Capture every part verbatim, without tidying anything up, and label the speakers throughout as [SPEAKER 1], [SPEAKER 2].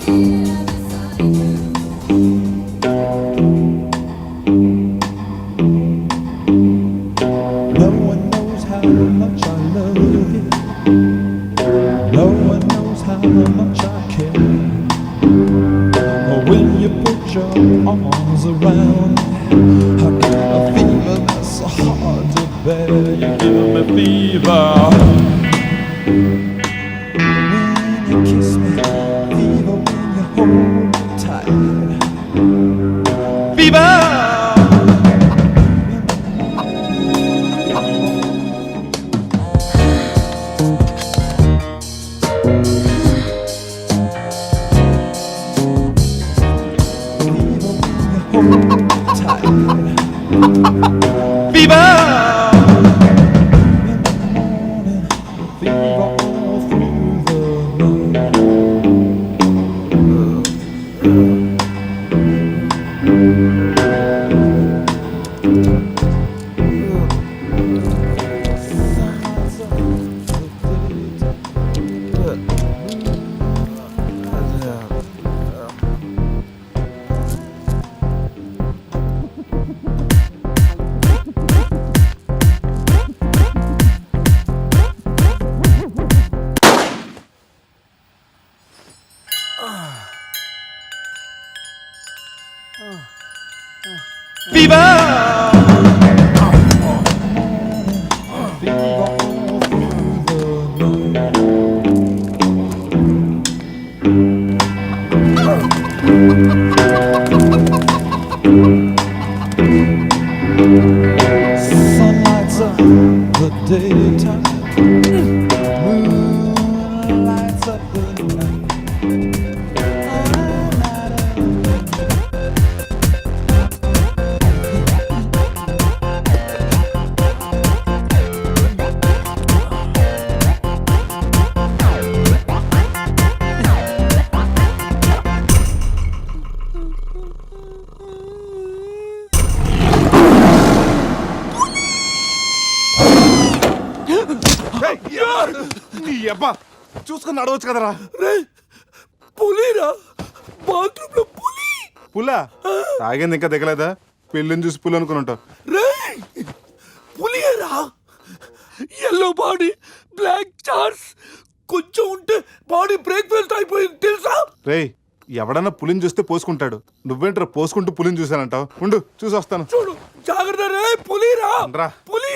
[SPEAKER 1] No one knows how much I love you. No one knows how much I care. When you put your arms around me, I get a fever that's so hard to bear. You give me fever. When you kiss me, fever when you hold me tight. Fever! Fever! Fever all through the night. Fever! Fever all through the night. Sun lights up the daytime. Moon lights up the night.
[SPEAKER 2] నీ అబ్బా చూసుకుని నడవచ్చు కదరా.
[SPEAKER 3] పులిరా, bathroom లో పులి.
[SPEAKER 2] పులా తాగింది ఇంకా దిగలేదా? పెళ్ళిని చూసి పులి అనుకుని ఉంటావు.
[SPEAKER 3] రేయ్, పులిరా, ఎల్లో బాడీ, బ్లాక్ చార్స్, కొంచెం ఉంటే బాడీ బ్రేక్ఫాస్ట్ అయిపోయింది తెలుసా?
[SPEAKER 2] రేయ్, ఎవడన్నా పులిని చూస్తే పోసుకుంటాడు. నువ్వేంట్రా పోసుకుంటూ పులిని చూసానంటావు? ఉండు చూసి వస్తాను.
[SPEAKER 3] చూడు జాగ్రత్త రే, పులిరా,
[SPEAKER 2] రా.
[SPEAKER 3] పులి.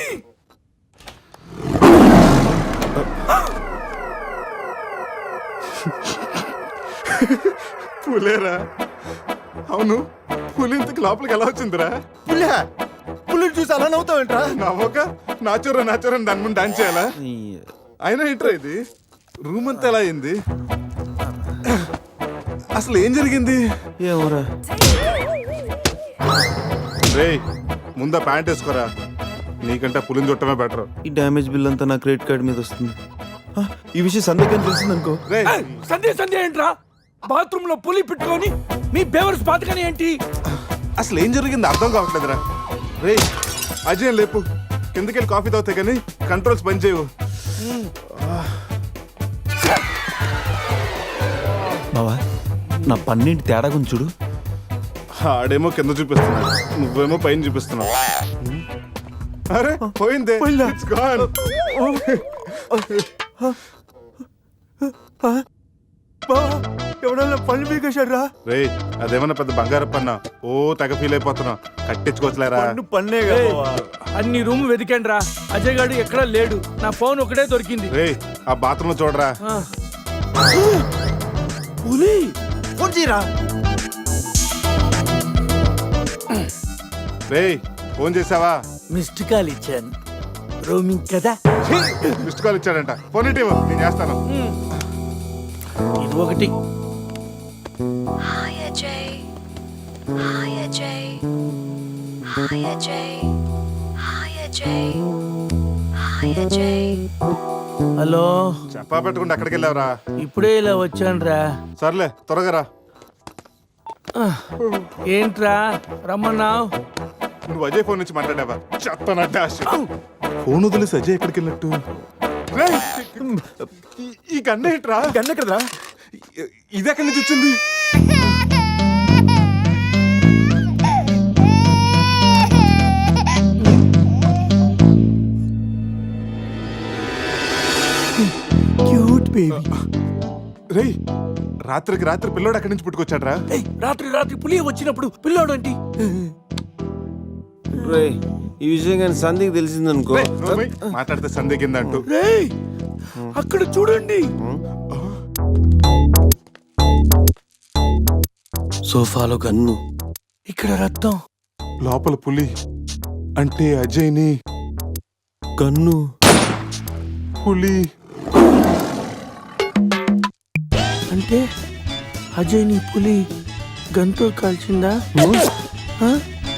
[SPEAKER 2] పులేరా? అవును, పులి ఇంతకు లోపలికి ఎలా వచ్చిందిరా?
[SPEAKER 4] పులి పులిని చూసి అలా నవ్వుతావేంట్రా?
[SPEAKER 2] నవ్వక నాచురా నాచురా దాని ముందు డాన్స్ చేయాలా? అయినా ఏంట్రా ఇది? రూమ్ అంతా ఎలా అయింది? అసలు ఏం జరిగింది?
[SPEAKER 4] ఏమోరా.
[SPEAKER 2] రేయ్, ముందా ప్యాంట్ వేసుకోరా. నీకంటే పులిని చుట్టమే బెటర్.
[SPEAKER 4] ఈ డ్యామేజ్ బిల్ అంతా నా క్రెడిట్ కార్డ్ మీద వస్తుంది. ఆ, ఈ విషయం సందేహం తెలిసిందనుకో.
[SPEAKER 2] రేయ్,
[SPEAKER 3] ఏయ్, సంధ్య సంధ్య ఏంట్రా? బాత్రూమ్ లో పులి పెట్టుకొని మీ బేవర్స్ బాతకని ఏంటి?
[SPEAKER 2] అసలు ఏం జరిగింది అర్థం కావట్లేదురా. రేయ్ అజయ్ లేపు, కిందకెళ్ళి కాఫీ తాగుతాయి కానీ కంట్రోల్స్ పని చేయవు.
[SPEAKER 4] బావా, నా పన్నెండు తేడా గురించి చూడు.
[SPEAKER 2] ఆడేమో కింద చూపిస్తున్నాడు, నువ్వేమో పైన చూపిస్తున్నావు. అరే పోయిందే, It's gone.
[SPEAKER 4] ఎవడన్నా పళ్ళు పీకేశాడ్రా?
[SPEAKER 2] రేయ్, అదేమన్నా పెద్ద బంగారు పన్నా? ఓ తెగ ఫీల్ అయిపోతున్నా. కట్టించుకోవచ్చులేరా?
[SPEAKER 4] పన్నే
[SPEAKER 3] అన్ని రూమ్ వెతికాను రా, అజయ్ గాడు ఎక్కడా లేడు. నా ఫోన్ ఒకటే దొరికింది.
[SPEAKER 2] రేయ్, ఆ బాత్రూమ్ లో చూడరా.
[SPEAKER 4] పులి ఫోన్ చేయరా.
[SPEAKER 2] రేయ్, ఫోన్ చేసావా?
[SPEAKER 3] మిస్డ్ కాల్ ఇచ్చాను, రోమింగ్ కదా.
[SPEAKER 2] మిస్డ్ కాల్ ఇచ్చాడంట. ఫోన్ ఇటీవ్, నేను చేస్తాను.
[SPEAKER 3] ఇది ఒకటి.
[SPEAKER 5] Hi Ajay. Hi Ajay. Hi Ajay. Hi Ajay. Hi Ajay.
[SPEAKER 3] Hello,
[SPEAKER 2] చెప్పా పెట్టుకుంటే అక్కడికి వెళ్ళావరా?
[SPEAKER 3] ఇప్పుడే ఇలా వచ్చానురా.
[SPEAKER 2] సర్లే త్వరగా రా.
[SPEAKER 3] ఏంట్రా రమ్మన్నావు?
[SPEAKER 2] నువ్వు అజయ్ ఫోన్ నుంచి మాట్లాడావా? చెప్పనట్టు ఫోన్ వదిలేసి అజయ్ ఎక్కడికి వెళ్ళినట్టు? రేయ్, ఈ- ఈ గన్న ఏంట్రా?
[SPEAKER 4] గన్న కదరా?
[SPEAKER 2] ఇ- ఇది ఎక్కడి నుంచి వచ్చింది?
[SPEAKER 3] Cute baby.
[SPEAKER 2] రేయ్ రాత్రికి రాత్రి పిల్లోడు అక్కడి నుంచి పుట్టుకొచ్చాడ్రా.
[SPEAKER 3] ఏయ్, రాత్రి రాత్రి పులి వచ్చినప్పుడు పిల్లోడు ఏంటి?
[SPEAKER 4] రే ఈ విషయం కానీ సంధికి తెలిసిందనుకో.
[SPEAKER 2] రేయ్, నోర్మై, మాట్లాడితే సందే కింద అంటూ.
[SPEAKER 3] రేయ్ అక్కడ చూడండి.
[SPEAKER 4] సోఫాలో గన్ను,
[SPEAKER 3] ఇక్కడ రక్తం.
[SPEAKER 2] లోపల పులి అంటే అజయ్ని
[SPEAKER 4] గన్ను.
[SPEAKER 2] పులి
[SPEAKER 3] అంటే అజయ్ నీ పులి గంతో కాల్చిందా? ఆ?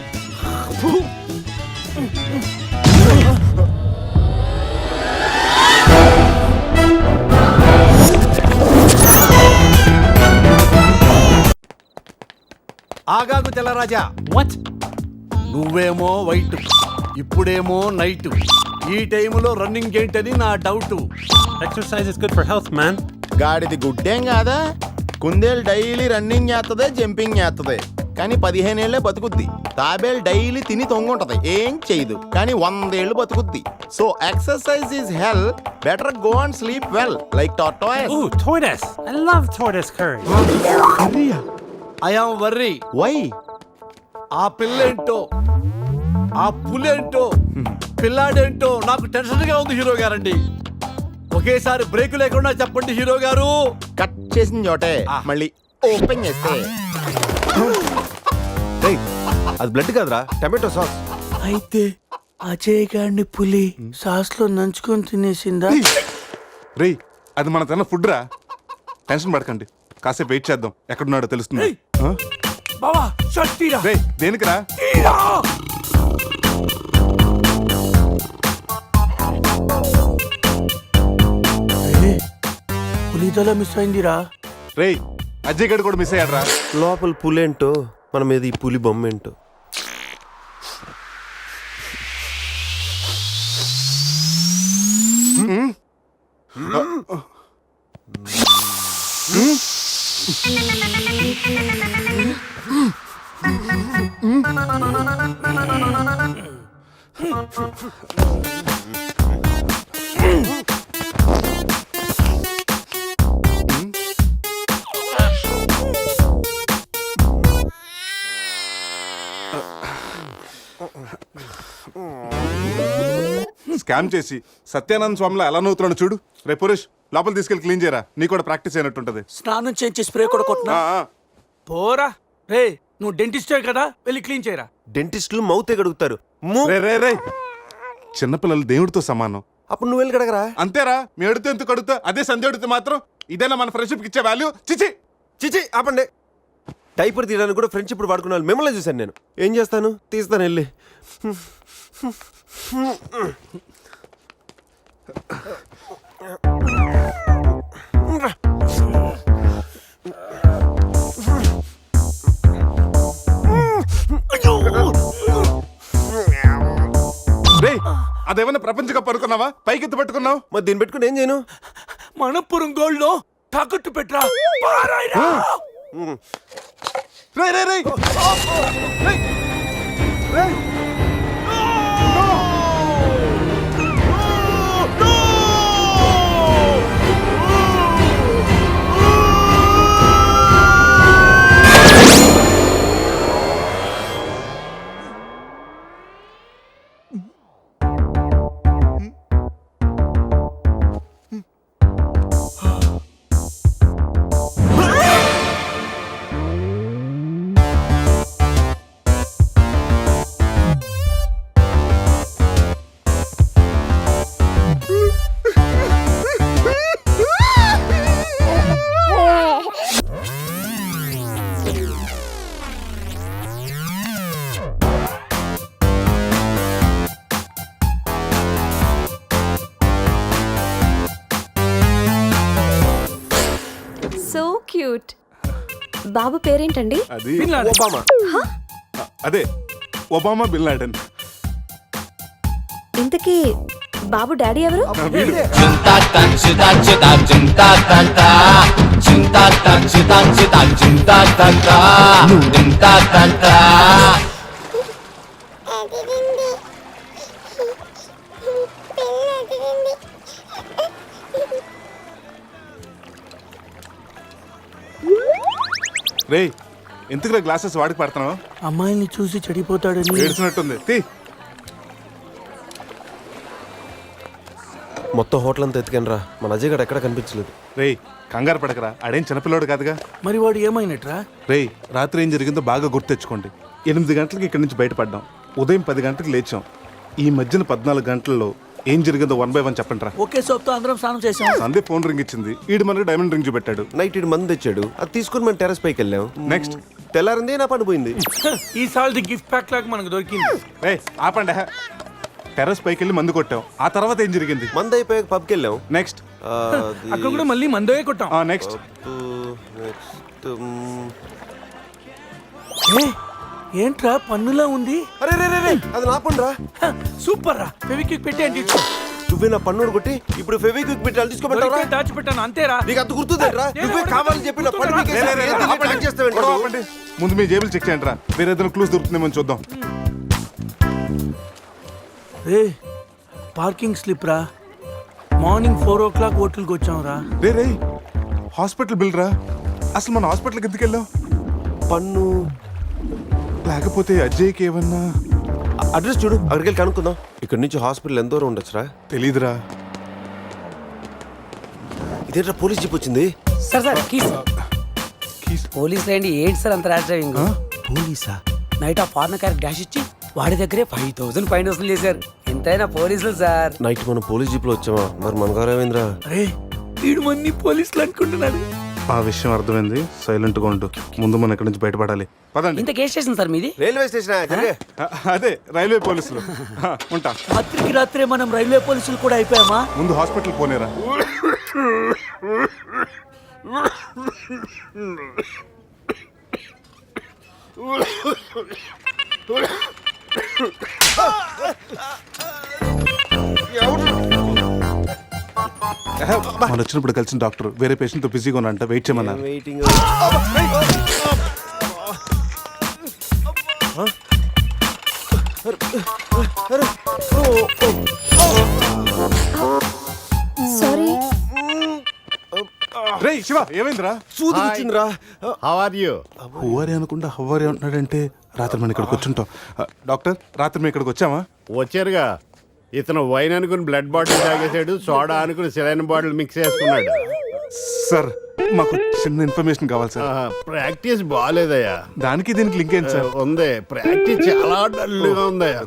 [SPEAKER 6] ఆగాగు తెల్లరాజా.
[SPEAKER 7] What?
[SPEAKER 6] నువ్వేమో వైట్, ఇప్పుడేమో నైట్. ఈ టైంలో రన్నింగ్ ఏంటని నా doubt.
[SPEAKER 7] Exercise is good for health, man.
[SPEAKER 8] గాడిది గుడ్డేం కాదా? కుందేలు డైలీ రన్నింగ్ చేస్తుంది, జంపింగ్ చేస్తుంది, కానీ పదిహేనేళ్లే బతుకుద్ది. తాబేలు డైలీ తిని తొంగుంటది, ఏం చేయదు, కానీ వందేళ్లు బతుకుద్ది. So exercise is hell, better go and sleep well like tortoise.
[SPEAKER 7] Ooh, tortoise. I love tortoise curry.
[SPEAKER 6] I am worry.
[SPEAKER 8] Why?
[SPEAKER 6] ఆ పిల్లేంటో, ఆ పులేంటో, పిల్లాడేంటో నాకు టెన్షన్ గా ఉంది హీరో గారండి. ఒకేసారి బ్రేక్ లేకుండా చెప్పండి హీరో గారు.
[SPEAKER 8] కట్ చేసిన చోటే మళ్ళీ ఓపెన్ చేస్తే
[SPEAKER 4] రేయ్ అది బ్లడ్ కాదురా, టమాటో సాస్.
[SPEAKER 3] అయితే అజయ్ గారిని పులి సాస్ లో నంచుకొని తినేసిందా?
[SPEAKER 2] రేయ్ అది మన తిన్న ఫుడ్ రా. టెన్షన్ పడకండి, కాసేపు వెయిట్ చేద్దాం, ఎక్కడున్నాడో తెలుస్తుంది.
[SPEAKER 3] ఏయ్! బావా షర్ట్ తీరా.
[SPEAKER 2] రేయ్ దేనికిరా?
[SPEAKER 3] తీరా. ఏ, పులి తల మిస్ అయిందిరా.
[SPEAKER 2] రేయ్ అజయ్ గడు కూడా మిస్ అయ్యాడ్రా.
[SPEAKER 4] లోపల పులేంటో మన మీద ఈ పులి బొమ్మ ఏంటో.
[SPEAKER 2] స్కామ్ చేసి సత్యానంద స్వామిలో ఎలా నవ్వుతున్నాడు చూడు. రే పురుష్ లోపల తీసుకెళ్ళి క్లీన్ చేయరా, నీ కూడా ప్రాక్టీస్ అయినట్టుంటది.
[SPEAKER 3] స్నానం చేయించి స్ప్రే కూడా కొట్టినా.
[SPEAKER 2] ఆ, ఆ.
[SPEAKER 3] పోరా. రే నువ్వు డెంటిస్టే కదా, వెళ్ళి క్లీన్ చేయరా.
[SPEAKER 4] డెంటిస్టులు మౌతే గడుగుతారు. ము-
[SPEAKER 2] రే రే రే చిన్నపిల్లలు దేవుడితో సమానం.
[SPEAKER 4] అప్పుడు నువ్వు వెళ్ళి కడగరా.
[SPEAKER 2] అంతేరా, మీ అడితే ఎందుకు అడుగుతా, అదే సంధ్య అడిగితే మాత్రం ఇదేనా మన ఫ్రెండ్షిప్ ఇచ్చే వాల్యూ? చిచి.
[SPEAKER 4] చిచి ఆపండి. డైపర్ తీయడానికి కూడా ఫ్రెండ్షిప్ వాడుకున్నాను, మిమ్మల్ని చూశాను నేను. ఏం చేస్తాను, తీస్తాను వెళ్ళి.
[SPEAKER 2] రే అదేమన్నా ప్రపంచ కప్ అనుకున్నావా, పైకెత్తి పట్టుకున్నావు?
[SPEAKER 4] మరి దీన్ని పెట్టుకుని ఏం చేయను?
[SPEAKER 3] మనపురం గోల్డ్ లో తాకట్టు పెట్టరా. పారాయిరా.
[SPEAKER 2] రే రే రే రేయ్! రేయ్!
[SPEAKER 9] So cute. బాబు పేరేంటండి?
[SPEAKER 2] అది
[SPEAKER 3] బిన్ లాడెన్.
[SPEAKER 4] ఒబామా.
[SPEAKER 2] అదే ఒబామా బిన్ లాడెన్.
[SPEAKER 9] ఇంతకీ బాబు డాడీ ఎవరు?
[SPEAKER 2] వీడు.
[SPEAKER 10] Chum ta ta chum ta chum ta chum ta ta ta chum
[SPEAKER 2] రే ఎందుకురా గ్లాసెస్ వాడికి పడుతున్నావు?
[SPEAKER 3] అమ్మాయిని చూసి చెడిపోతాడని
[SPEAKER 2] ఏడ్చినట్టుంది తీ.
[SPEAKER 4] మొత్తం హోటల్ అంతా ఎత్తుకాను రా, మన అజయ్ గడ ఎక్కడ కనిపించలేదు.
[SPEAKER 2] రేయ్ కంగారు పడకరా, ఆడేం చిన్నపిల్లోడు కాదుగా.
[SPEAKER 3] మరి వాడు ఏమైనట్రా?
[SPEAKER 2] రేయ్ రాత్రి ఏం జరిగిందో బాగా గుర్తు తెచ్చుకోండి. ఎనిమిది గంటలకి ఇక్కడి నుంచి బయటపడ్డాం, ఉదయం పది గంటలకు లేచాం. ఈ మధ్యన పద్నాలుగు గంటల్లో ఏం జరిగిందో వన్ బై వన్ చెప్పండి రా.
[SPEAKER 3] ఒకే సోప్తో అందరం స్నానం చేసాం.
[SPEAKER 2] సందే ఫోన్ రింగ్ ఇచ్చింది, ఈడు మనకి డైమండ్ రింగ్ చూపెట్టాడు.
[SPEAKER 4] నైట్ ఇటు మంది తెచ్చాడు, అది తీసుకుని మనం టెర్రస్ పైకి వెళ్ళాం.
[SPEAKER 2] నెక్స్ట్
[SPEAKER 4] తెల్లారింది నా పని పోయింది.
[SPEAKER 3] ఈ సాల్ది గిఫ్ట్ ప్యాక్ లాగా మనకు దొరికింది.
[SPEAKER 2] రే ఆపండి, టెర్రస్ పైకి వెళ్ళి మందు కొట్టాం. ఆ తర్వాత ఏం జరిగింది?
[SPEAKER 4] మంది అయిపోయాక పబ్కి వెళ్ళాం.
[SPEAKER 2] నెక్స్ట్
[SPEAKER 4] ఆ, అది-
[SPEAKER 3] అక్కడ కూడా మళ్ళీ మందే కొట్టాం.
[SPEAKER 2] ఆ నెక్స్ట్
[SPEAKER 4] పబ్బు, నెక్స్ట్, మ్,
[SPEAKER 3] ఏ, ఏంట్రా పన్నులా ఉంది?
[SPEAKER 4] అరే రే రే రే, అది నా పని రా.
[SPEAKER 3] హ, సూపర్ రా. ఫెవిక్విక్ పెట్టి అంటే ఇచ్చు.
[SPEAKER 4] నువ్వే నా పన్ను కొట్టి ఇప్పుడు ఫెవిక్విక్ పెట్టాలి తీసుకోమంటారా?
[SPEAKER 3] దొరికితే దాచిపెట్టాను అంతేరా.
[SPEAKER 4] నీకు అంత గుర్తుందేంట్రా? నువ్వే కావాలని చెప్పి నా పన్ను పీకేసి
[SPEAKER 2] లే, లే, లే,
[SPEAKER 4] ఏంది
[SPEAKER 2] ఆపండి.
[SPEAKER 4] ట్రాక్ చేస్తావేంటి
[SPEAKER 2] గొడవ
[SPEAKER 4] నువ్వు?
[SPEAKER 2] ఆపండి. ముందు మీ జేబులు చెక్ చేయండి రా, వేరే ఏదైనా క్లూస్ దొరుకుతుందేమో చూద్దాం.
[SPEAKER 3] రే పార్కింగ్ స్లిప్ రా. మార్నింగ్ ఫోర్ ఓ క్లాక్ హోటల్కి వచ్చాం రా.
[SPEAKER 2] రే రే హాస్పిటల్ బిల్ రా. అసలు మన హాస్పిటల్కి ఎందుకు వెళ్ళాం?
[SPEAKER 4] పన్ను
[SPEAKER 2] లేకపోతే అజయ్కి ఏమన్నా
[SPEAKER 4] అడ్రస్ చూడు, అక్కడికి వెళ్ళి కనుక్కుందాం. ఇక్కడ నుంచి హాస్పిటల్ ఎంత దూరం ఉండొచ్చురా?
[SPEAKER 2] తెలీదురా.
[SPEAKER 4] ఇదేంట్రా పోలీస్ జీప్ వచ్చింది?
[SPEAKER 10] Sir sir keys
[SPEAKER 2] keys.
[SPEAKER 10] పోలీసులు ఏంటి ఏంటి సార్ అంత ర్యాష్ డ్రైవింగ్?
[SPEAKER 3] పోలీసా?
[SPEAKER 10] నైట్ ఆ ఫారెన్ కార్ డాష్ ఇచ్చి వాడి దగ్గరే ఫైవ్ థౌసండ్ ఫైన్ వసూలు చేశారు. ఎంతైనా పోలీసులు సార్.
[SPEAKER 4] నైట్ మనం పోలీస్ జీప్ లో వచ్చామా? మరి మన గారు ఏమైందిరా?
[SPEAKER 3] రే వీడు మన్ని పోలీసులు అనుకుంటున్నాడు.
[SPEAKER 2] ఆ విషయం అర్థమైంది, సైలెంట్ గా ఉండు. ముందు మనం ఇక్కడి నుంచి బయటపడాలి. పదండి.
[SPEAKER 10] ఇంత కేసు స్టేషన్ సార్ మీది?
[SPEAKER 4] రైల్వే స్టేషన్
[SPEAKER 2] అ- అదే రైల్వే పోలీసులు. ఆ, ఉంటా.
[SPEAKER 3] రాత్రికి రాత్రే మనం రైల్వే పోలీసులు కూడా అయిపోయామా?
[SPEAKER 2] ముందు హాస్పిటల్ పోనేరా. మనం వచ్చినప్పుడు కలిసిన డాక్టర్ వేరే పేషెంట్ తో బిజీగా ఉన్నంట, వెయిట్ చేయమన్నారు.
[SPEAKER 4] వెయిటింగ్.
[SPEAKER 9] సారీ.
[SPEAKER 2] రే శివ ఏమైందిరా?
[SPEAKER 4] సూది వచ్చిందిరా.
[SPEAKER 8] How are you?
[SPEAKER 2] హువారి అనుకుంటా హువారి అంటున్నాడంటే రాత్రి మనం ఇక్కడికి వచ్చుంటాం. ఆ, డాక్టర్ రాత్రి మేము ఇక్కడికి వచ్చామా?
[SPEAKER 8] వచ్చారుగా. ఇతను వైన్ అనుకుని బ్లడ్ బాటిల్ తాగేసాడు, సోడా అనుకుని సెలైన్ బాటిల్ మిక్స్ చేసుకున్నాడు.
[SPEAKER 2] సార్ మాకు చిన్న ఇన్ఫర్మేషన్ కావాలి సార్.
[SPEAKER 8] ఆహా, ప్రాక్టీస్ బాగాలేదయ్యా.
[SPEAKER 2] దానికి దీనికి లింక్ ఏంటి సార్?
[SPEAKER 8] ఉంది, ప్రాక్టీస్ చాలా డల్గా ఉందయ్యా.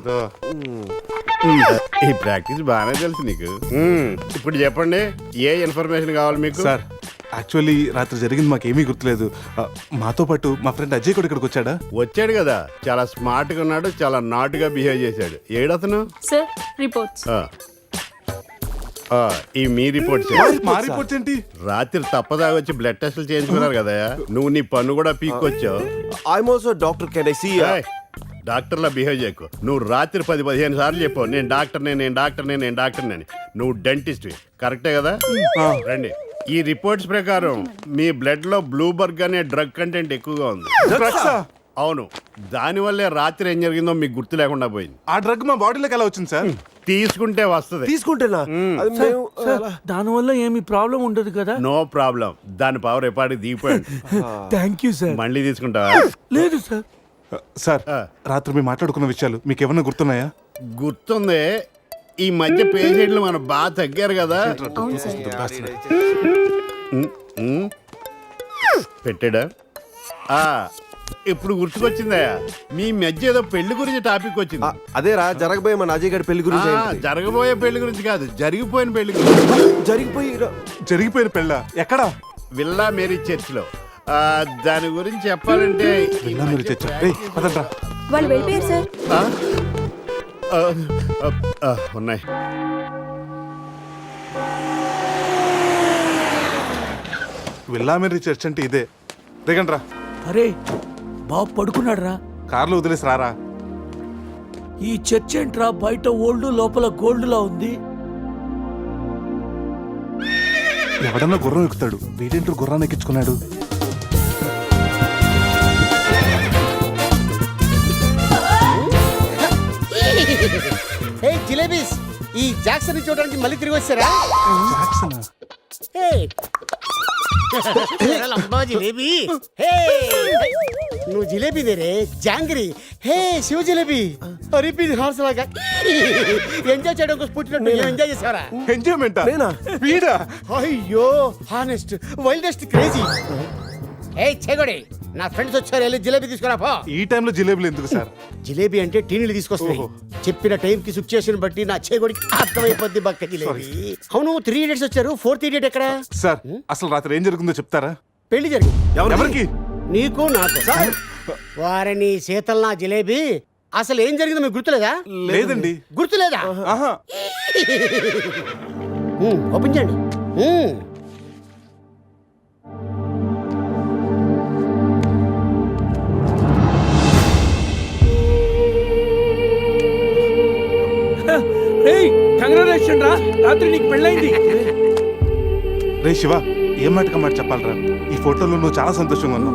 [SPEAKER 8] ఈ ప్రాక్టీస్ బాగానే తెలుసు నీకు. మ్మ్. ఇప్పుడు చెప్పండి, ఏ ఇన్ఫర్మేషన్ కావాలి మీకు?
[SPEAKER 2] సార్ యాక్చువల్లీ రాత్రి జరిగింది మాకేమీ గుర్తులేదు. ఆ, మాతో పాటు మా ఫ్రెండ్ అజయ్ కూడా ఇక్కడికి వచ్చాడా?
[SPEAKER 8] వచ్చాడు కదా, చాలా స్మార్ట్ గా ఉన్నాడు, చాలా నాటుగా బిహేవ్ చేశాడు. ఏడతను?
[SPEAKER 9] Sir reports.
[SPEAKER 8] ఆ. ఆ, ఈ మీ రిపోర్ట్స్
[SPEAKER 2] మా రిపోర్ట్స్ ఏంటి?
[SPEAKER 8] రాత్రి తప్పదాగా వచ్చి బ్లడ్ టెస్టులు చేయించుకున్నారు కదా, నువ్వు నీ పన్ను కూడా పీక్కొచ్చావు.
[SPEAKER 4] I'm also doctor, can I see?
[SPEAKER 8] ఏయ్, డాక్టర్లా బిహేవ్ చేయకు. నువ్వు రాత్రి పది పదిహేను సార్లు చెప్పావు నేను డాక్టర్నే నేను డాక్టర్నే నేను డాక్టర్నే అని. నువ్వు డెంటిస్ట్ కరెక్టే కదా? రండి. ఈ రిపోర్ట్స్ ప్రకారం మీ బ్లడ్ లో బ్లూబర్గ్ అనే డ్రగ్ కంటెంట్ ఎక్కువగా ఉంది.
[SPEAKER 2] డ్రగ్సా?
[SPEAKER 8] అవును, దానివల్లే రాత్రి ఏం జరిగిందో మీకు గుర్తు లేకుండా పోయింది.
[SPEAKER 2] ఆ డ్రగ్ మా బాడీలోకి ఎలా వచ్చింది సార్?
[SPEAKER 8] తీసుకుంటే వస్తుంది.
[SPEAKER 4] తీసుకుంటేనా? అది మేము అలా-
[SPEAKER 3] దానివల్ల ఏమి ప్రాబ్లం ఉండదు కదా?
[SPEAKER 8] నో ప్రాబ్లం, దాని పవర్ ఎప్పటికి దిగిపోయింది.
[SPEAKER 3] Thank you sir.
[SPEAKER 8] మళ్ళీ తీసుకుంటావా?
[SPEAKER 3] లేదు సార్.
[SPEAKER 2] ఆ, సార్ రాత్రి మేము మాట్లాడుకున్న విషయాలు మీకు ఏమన్నా గుర్తున్నాయా?
[SPEAKER 8] గుర్తుంది. ఈ మధ్య పేషెంట్లు మనం బాగా తగ్గారు కదా. ఉమ్, ఉమ్. పెట్టాడా? ఆ, ఇప్పుడు గుర్తుకొచ్చిందయ్యా, మీ మధ్య ఏదో పెళ్లి గురించి టాపిక్
[SPEAKER 4] ఆ,
[SPEAKER 8] వచ్చింది.
[SPEAKER 4] అదేరా జరగబోయే మన అజయ్ గారి పెళ్లి గురించి.
[SPEAKER 8] ఆ,
[SPEAKER 4] ఏంటి?
[SPEAKER 8] జరగబోయే పెళ్లి గురించి కాదు, జరిగిపోయిన పెళ్లి గురించి.
[SPEAKER 4] జరిగిపోయి
[SPEAKER 2] జరిగిపోయిన పెళ్ళ ఎక్కడా?
[SPEAKER 8] విల్లా మేరీ చర్చ్ లో. ఆ, దాని గురించి చెప్పాలంటే ఈ
[SPEAKER 2] వెళ్ళా మీరు
[SPEAKER 8] మధ్య
[SPEAKER 2] చచ్చా. రేయ్ పదండ్రా.
[SPEAKER 9] వాళ్ళు వెళ్ళిపోయారు సార్.
[SPEAKER 8] ఆ? ఆ, ఆ, ఆ, ఉన్నాయి.
[SPEAKER 2] వెళ్ళామేరి చర్చ్ అంటే ఇదే. దిగండ్రా.
[SPEAKER 3] అరే బాబు పడుకున్నాడు రా.
[SPEAKER 2] కార్లో వదిలేసి రారా.
[SPEAKER 3] ఈ చర్చ్ ఏంట్రా బయట ఓల్డ్ లోపల గోల్డ్ లా ఉంది.
[SPEAKER 2] ఎవడన్నా గుర్రం ఎక్కుతాడు, వీడేంటో గుర్రాన్ని ఎక్కించుకున్నాడు.
[SPEAKER 11] హే జిలేబీస్, ఈ జాక్సన్ చూడడానికి మళ్ళీ తిరిగి వచ్చారా?
[SPEAKER 2] జాక్సనా?
[SPEAKER 11] హే లంబా జిలేబీ, హే నువ్వు జిలేబీ దేరే జాంగ్రీ. హే శివ జిలేబీ, రిపీట్ హార్స్ లాగా ఎంజాయ్ చేయడం కోసం పుట్టినట్టు ఎంజాయ్ చేసావరా?
[SPEAKER 2] ఎంజాయ్మెంటా?
[SPEAKER 4] నేనా?
[SPEAKER 2] వీడా?
[SPEAKER 11] అయ్యో హానెస్ట్ వైల్డెస్ట్ క్రేజీ. ఏ చెగొడి, నా ఫ్రెండ్స్ వచ్చారు, వెళ్ళి జిలేబీ తీసుకురా పో.
[SPEAKER 2] ఈ టైంలో జిలేబులు ఎందుకు సార్?
[SPEAKER 11] జిలేబీ అంటే టీనీలు తీసుకొస్తాయి. చెప్పిన టైం కి సిచ్యుయేషన్ బట్టి నా చేగొడికి అర్థమైపోద్ది బక్క జిలేబీ. అవును, త్రీ ఇడియట్స్ వచ్చారు, ఫోర్త్ ఇడియట్ ఎక్కడ?
[SPEAKER 2] సార్ అసలు రాత్రి ఏం జరుగుతుందో చెప్తారా?
[SPEAKER 11] పెళ్లి జరిగింది.
[SPEAKER 2] ఎవరికి?
[SPEAKER 11] నీకు నాకు. వారిని శీతల్ నా జిలేబీ, అసలు ఏం జరిగిందో మీకు గుర్తులేదా?
[SPEAKER 2] లేదండి.
[SPEAKER 11] గుర్తులేదా?
[SPEAKER 2] ఆహా.
[SPEAKER 11] ఉమ్, ఓపెన్ చేయండి. ఉమ్.
[SPEAKER 3] రేయ్ కంగ్రాచులేషన్ రా, రాత్రి నీకు పెళ్ళైంది.
[SPEAKER 2] రే శివ, ఏం మాటక మాట చెప్పాలరా? ఈ ఫోటోలో నువ్వు చాలా సంతోషంగా ఉన్నావు.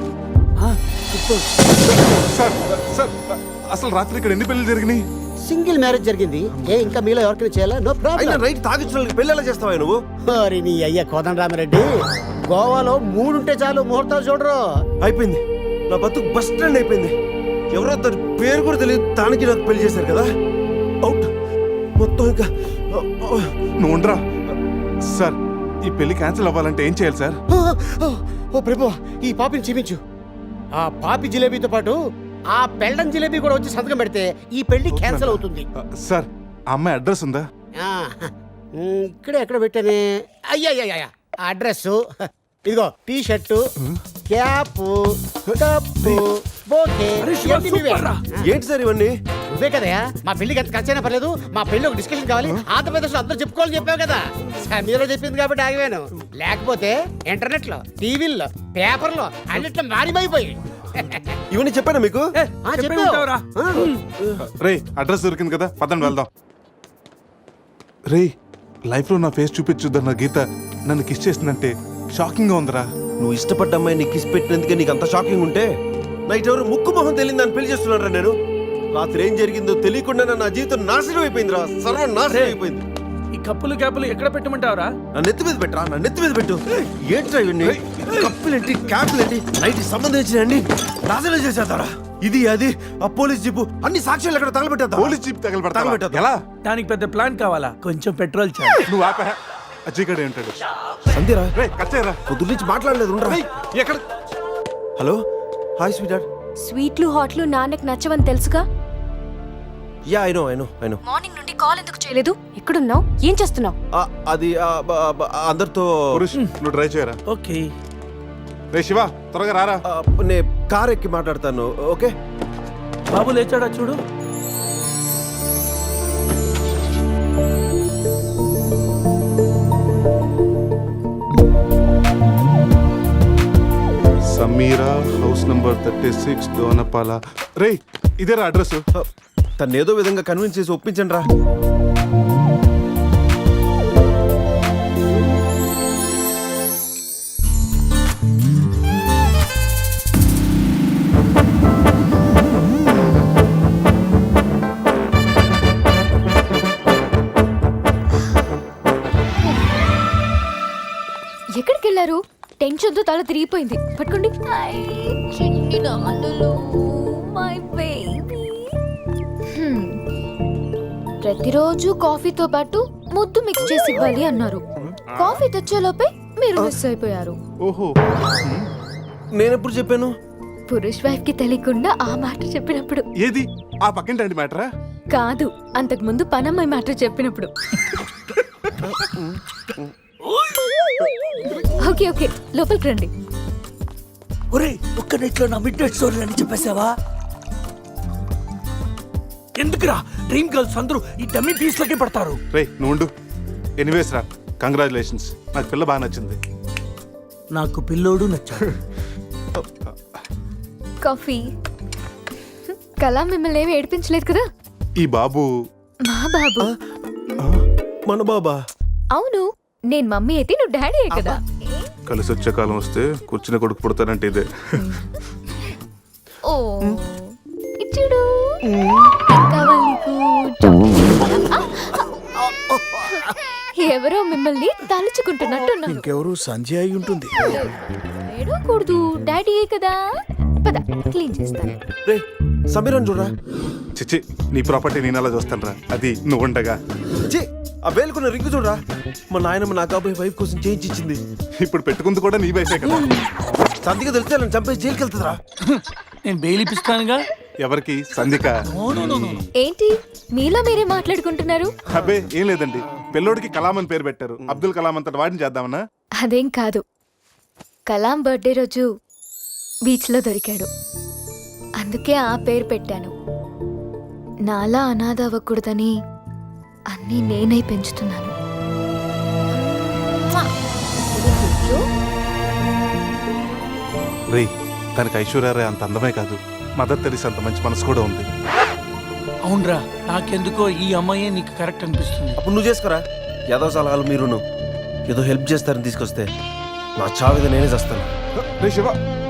[SPEAKER 2] సార్ సార్ అసలు రాత్రి ఇక్కడ ఎన్ని పెళ్లి జరిగినాయి?
[SPEAKER 11] సింగిల్ మ్యారేజ్ జరిగింది. ఏ ఇంకా మీలో ఎవరికైనా చేయాలా? నో
[SPEAKER 4] అయినా
[SPEAKER 11] ప్రాబ్లం.
[SPEAKER 4] రైట్ తాగించిన పెళ్ళి ఎలా చేస్తావా నువ్వు?
[SPEAKER 11] మరి నీ అయ్య కోదండరామిరెడ్డి, గోవాలో మూడుంటే చాలు ముహూర్తాలు చూడరు.
[SPEAKER 4] అయిపోయింది, నా బతుకు బస్ స్టాండ్ అయిపోయింది. ఎవరో తన పేరు కూడా తెలియదు, దానికి నాకు పెళ్లి చేశారు కదా. అవుట్ మొత్తం. ఇంకా
[SPEAKER 2] నువ్వు ఉండరా. సార్ ఈ పెళ్లి క్యాన్సిల్ అవ్వాలంటే ఏం చేయాలి సార్?
[SPEAKER 11] ఓ, ఓ, ఓ ప్రభు, ఈ పాపిని క్షమించు. ఆ పాపి జిలేబీతో పాటు ఆ పెళ్ళం జిలేబీ కూడా వచ్చి సంతకం పెడితే ఈ పెళ్లి క్యాన్సిల్ అవుతుంది.
[SPEAKER 2] సార్ ఆ అమ్మాయి అడ్రస్ ఉందా?
[SPEAKER 11] ఆ, ఉమ్, ఇక్కడే ఎక్కడ పెట్టానే? అయ్యా అయ్యా అడ్రస్ ఇదిగో, T shirt, cap, cup, bouquet. ఇవన్నీ నీవే.
[SPEAKER 4] ఏంటి సార్ ఇవన్నీ?
[SPEAKER 11] నువ్వే కదయా మా పెళ్లికి ఎంత ఖర్చైనా పర్లేదు, మా పెళ్లి ఒక డిస్కషన్ కావాలి, ఆంధ్రప్రదేశ్ లో అందరూ చెప్పుకోవాలని చెప్పావు కదా. సమీరో చెప్పింది కాబట్టి ఆగిపోయాను, లేకపోతే ఇంటర్నెట్ లో, టీవీల్లో, పేపర్లో అన్నిట్లో మారిమైపోయి.
[SPEAKER 4] ఇవన్నీ చెప్పానా మీకు?
[SPEAKER 11] ఆ, చెప్పావు. ఆ.
[SPEAKER 2] రే అడ్రస్ దొరికింది కదా, పదండి వెళ్దాం. రే లైఫ్లో నా ఫేస్ చూపించుద్దన్న గీత నన్ను కిస్ చేసిందంటే షాకింగ్ గా ఉందిరా.
[SPEAKER 4] నువ్వు ఇష్టపడ్డ అమ్మాయి నీకు కిస్ పెట్టినందుకే నీకు అంత షాకింగ్ ఉంటే, నైట్ ఎవరు ముక్కు మొహం తెలియదు దాన్ని పెళ్లి చేస్తున్నారా నేను? రాత్రి ఏం జరిగిందో తెలియకుండా నా జీవితం నాశనం అయిపోయిందిరా, సర్వం నాశనం అయిపోయింది.
[SPEAKER 3] ఈ కప్పులు క్యాపులు ఎక్కడ పెట్టమంటావరా?
[SPEAKER 4] నా నెత్తి మీద పెట్టరా, నా నెత్తి మీద పెట్టు. ఏంట్రా ఇవన్నీ? కప్పులేంటి, క్యాపులేంటి, నైట్ సంబంధించినండి నాశనం చేసేద్దారా. ఇది అది ఆ పోలీస్ జీపు అన్ని సాక్ష్యాలు ఎక్కడ తగలబెట్టేద్దా?
[SPEAKER 2] Police jeep తగలబెడతా
[SPEAKER 4] తగలబెట్టేద్దా?
[SPEAKER 2] ఎలా?
[SPEAKER 3] దానికి పెద్ద ప్లాన్ కావాలా? కొంచెం పెట్రోల్ చాలు.
[SPEAKER 2] నువ్వు ఆపా. అజయ్ గడే ఉంటాడు.
[SPEAKER 4] సంధ్యరా
[SPEAKER 2] రే కచ్చేరా.
[SPEAKER 4] పొద్దు నుంచి మాట్లాడలేదు, ఉండరా.
[SPEAKER 2] ఎక్కడ?
[SPEAKER 4] Hello, hi sweet heart.
[SPEAKER 9] స్వీట్లు హాట్లు నాన్నకు నచ్చవని తెలుసుగా.
[SPEAKER 4] Yeah I know I know I know.
[SPEAKER 9] Morning నుండి కాల్ ఎందుకు చేయలేదు? ఎక్కడున్నావు? ఏం చేస్తున్నావు?
[SPEAKER 4] అది ఆ, బ- బ- అందరితో
[SPEAKER 2] పురుష్ నువ్వు డ్రైవ్ చేయరా.
[SPEAKER 3] ఓకే.
[SPEAKER 2] రే శివ త్వరగా రారా.
[SPEAKER 4] ఆ, నే కార్ ఎక్కి మాట్లాడతాను. ఓకే
[SPEAKER 3] బాబు లేచాడా చూడు.
[SPEAKER 2] Sameera house number thirty six Donapala. రే ఇదేరా అడ్రస్.
[SPEAKER 4] తను ఏదో విధంగా కన్విన్స్ చేసి ఒప్పించండి రా.
[SPEAKER 9] ఎక్కడికి వెళ్ళారు? టెన్షన్ తో తల తిరిగిపోయింది. పట్టుకోండి. చిన్ని నాన్నలు, మై బేబీ. ప్రతిరోజు కాఫీతో పాటు ముద్దు మిక్స్ చేసి ఇవ్వాలి అన్నారు. కాఫీ తెచ్చేలోపే మీరు మిస్ అయిపోయారు.
[SPEAKER 2] ఓహో,
[SPEAKER 4] నేను ఎప్పుడు చెప్పాను?
[SPEAKER 9] పురుష్ వైఫ్ కి తెలియకుండా ఆ మాట చెప్పినప్పుడు.
[SPEAKER 2] ఏది ఆ పక్కింటి మ్యాటరా?
[SPEAKER 9] కాదు, అంతకు ముందు పనమ్మాయి మాట చెప్పినప్పుడు. ఓకే ఓకే, లోపలికి రండి.
[SPEAKER 3] ఒరే ఒక్క నెట్లో నా మిడ్ నైట్ స్టోరీ అని చెప్పేసావా? ఎందుకురా డ్రీమ్ గర్ల్స్ అందరూ ఈ డమ్మీ పీస్ లకే పడతారు?
[SPEAKER 2] రే నువ్వు ఉండు. ఎనీవేస్ రా, కంగ్రాచులేషన్స్. నాకు పిల్ల బాగా నచ్చింది.
[SPEAKER 3] నాకు పిల్లోడు నచ్చాడు.
[SPEAKER 9] కాఫీ. కళ మిమ్మల్ని ఏమి ఏడిపించలేదు కదా?
[SPEAKER 2] ఈ బాబు
[SPEAKER 9] మా బాబు.
[SPEAKER 4] మన బాబా?
[SPEAKER 9] అవును, నేను మమ్మీ అయితే నువ్వు డాడీ కదా.
[SPEAKER 2] కలిసి వచ్చే కాలం వస్తే కూర్చుని కొడుకు పుడతానంటే ఇదే.
[SPEAKER 9] ఓ ఇచ్చుడు. ఏం కావాలి నీకు? చాక్లెట్. ఎవరో మిమ్మల్ని తలుచుకుంటున్నట్టున్నారు.
[SPEAKER 3] ఇంకెవరు సంజయ్ అయి ఉంటుంది.
[SPEAKER 9] ఏడవకూడదు, డాడీ కదా. పద క్లీన్ చేస్తాను.
[SPEAKER 4] రే సమీరన్ చూడరా.
[SPEAKER 2] చిచ్చి నీ ప్రాపర్టీ నేను అలా చూస్తాను రా, అది నువ్వు ఉండగా.
[SPEAKER 4] ఛీ, ఆ వేలుకున్న రింగు చూడరా. మా నాయనమ్మ నా కాబోయే వైఫ్ కోసం చేయించి ఇచ్చింది.
[SPEAKER 2] ఇప్పుడు పెట్టుకుంది కూడా నీ వైఫే కదా.
[SPEAKER 4] సంధిగా తెలిస్తే నన్ను చంపేసి జైలుకి వెళ్తుందిరా.
[SPEAKER 3] నేను బెయిల్ ఇప్పిస్తానుగా.
[SPEAKER 2] ఎవరికి? సంధిక.
[SPEAKER 9] ఏంటి మీలో మీరే మాట్లాడుకుంటున్నారు?
[SPEAKER 2] అబ్బే ఏం లేదండి, పిల్లోడికి కలాం అని పేరు పెట్టారు. అబ్దుల్ కలాం అంతటి వాడిని చేద్దామన్నా.
[SPEAKER 9] అదేం కాదు, కలాం బర్త్డే రోజు బీచ్లో దొరికాడు, అందుకే ఆ పేరు పెట్టాను. నాలా అనాథ అవ్వకూడదని అన్నీ నేనై పెంచుతున్నాను.
[SPEAKER 2] రే తనకి ఐశ్వర్య అంత అందమే కాదు, మదర్ తెరీసా అంత మంచి మనసు కూడా ఉంది.
[SPEAKER 3] అవునరా, నాకెందుకో ఈ అమ్మాయే నీకు కరెక్ట్ అనిపిస్తుంది.
[SPEAKER 4] అప్పుడు నువ్వు చేసుకోరా. ఏదో సలహాలు మీరును ఏదో హెల్ప్ చేస్తారని తీసుకొస్తే నా చావిద నేనే చేస్తాను.
[SPEAKER 2] రే శివ